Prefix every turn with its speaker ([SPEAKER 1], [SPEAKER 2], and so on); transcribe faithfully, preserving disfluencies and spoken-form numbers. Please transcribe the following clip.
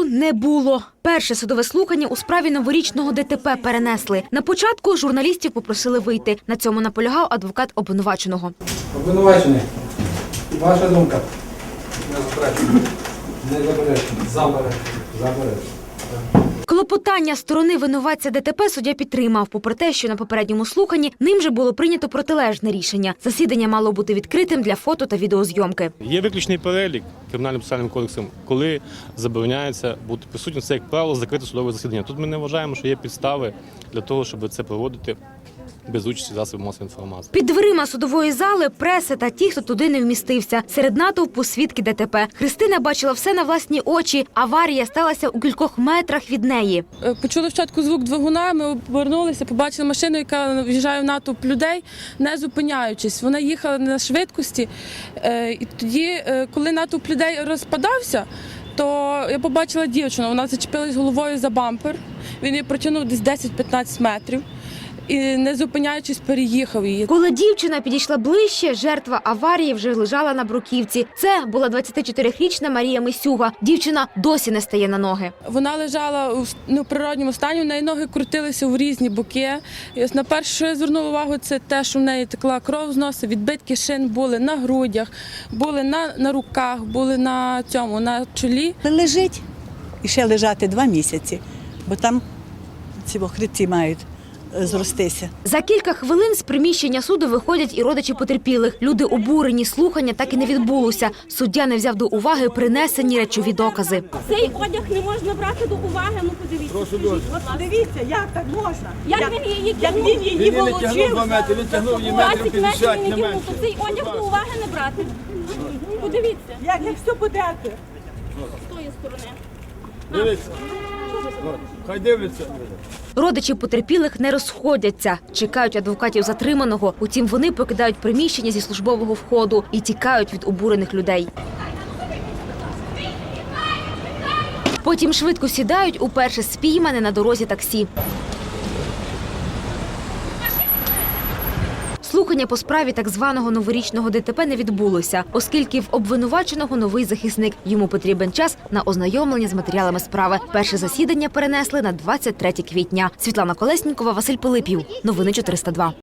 [SPEAKER 1] суду не було. Перше судове слухання у справі новорічного ДТП перенесли. На початку журналістів попросили вийти. На цьому наполягав адвокат обвинуваченого.
[SPEAKER 2] Обвинувачений, ваша думка? Не заперечую. Не заперечую. Заперечую. Заперечую.
[SPEAKER 1] Клопотання сторони винуватця ДТП суддя підтримав, попри те, що на попередньому слуханні ним же було прийнято протилежне рішення. Засідання мало бути відкритим для фото та відеозйомки.
[SPEAKER 3] Є виключний перелік Кримінальним процесуальним кодексом, коли забороняється бути присутнім. Це, як правило, закрите судове засідання. Тут ми не вважаємо, що є підстави для того, щоб це проводити без участі засобів масової інформації.
[SPEAKER 1] Під дверима судової зали преса та ті, хто туди не вмістився. Серед натовпу свідки ДТП. Христина бачила все на власні очі. Аварія сталася у кількох метрах від неї.
[SPEAKER 4] Почули спочатку звук двигуна, ми обернулися, побачили машину, яка в'їжджає в натовп людей, не зупиняючись. Вона їхала на швидкості. І тоді, коли натовп людей розпадався, то я побачила дівчину, вона зачепилась головою за бампер. Він її протягнув десь десять-п'ятнадцять метрів. І, не зупиняючись, переїхав її.
[SPEAKER 1] Коли дівчина підійшла ближче, жертва аварії вже лежала на бруківці. Це була двадцятичотирирічна Марія Мисюга. Дівчина досі не стає на ноги.
[SPEAKER 4] Вона лежала у неприродньому стані, в неї ноги крутилися в різні боки. І ось на перше, що я звернула увагу, це те, що в неї текла кров з носа, відбитки шин були на грудях, були на, на руках, були на цьому, на чолі.
[SPEAKER 5] Лежить і ще лежати два місяці, бо там ці хребці мають зростися.
[SPEAKER 1] За кілька хвилин з приміщення суду виходять і родичі потерпілих. Люди обурені, слухання так і не відбулося. Суддя не взяв до уваги принесені речові докази.
[SPEAKER 6] Цей одяг не можна брати до уваги, ну подивіться.
[SPEAKER 7] Прошу дуже. Подивіться, як так можна?
[SPEAKER 6] Як, як він її
[SPEAKER 7] як
[SPEAKER 6] кинув?
[SPEAKER 7] він її волочив? Він не метри, він тягнув її метрів п'ятдесят, не менше.
[SPEAKER 6] То цей одяг до уваги не брати. Подивіться.
[SPEAKER 7] Як, як все подерти?
[SPEAKER 6] З тої сторони.
[SPEAKER 7] Дивіться. Хай дивляться.
[SPEAKER 1] Родичі потерпілих не розходяться. Чекають адвокатів затриманого. Утім, вони покидають приміщення зі службового входу і тікають від обурених людей. Потім швидко сідають у перше спіймане на дорозі таксі. Слухання по справі так званого новорічного ДТП не відбулося, оскільки в обвинуваченого новий захисник. Йому потрібен час на ознайомлення з матеріалами справи. Перше засідання перенесли на двадцять третє квітня. Світлана Колеснікова, Василь Пилипів. Новини чотириста два.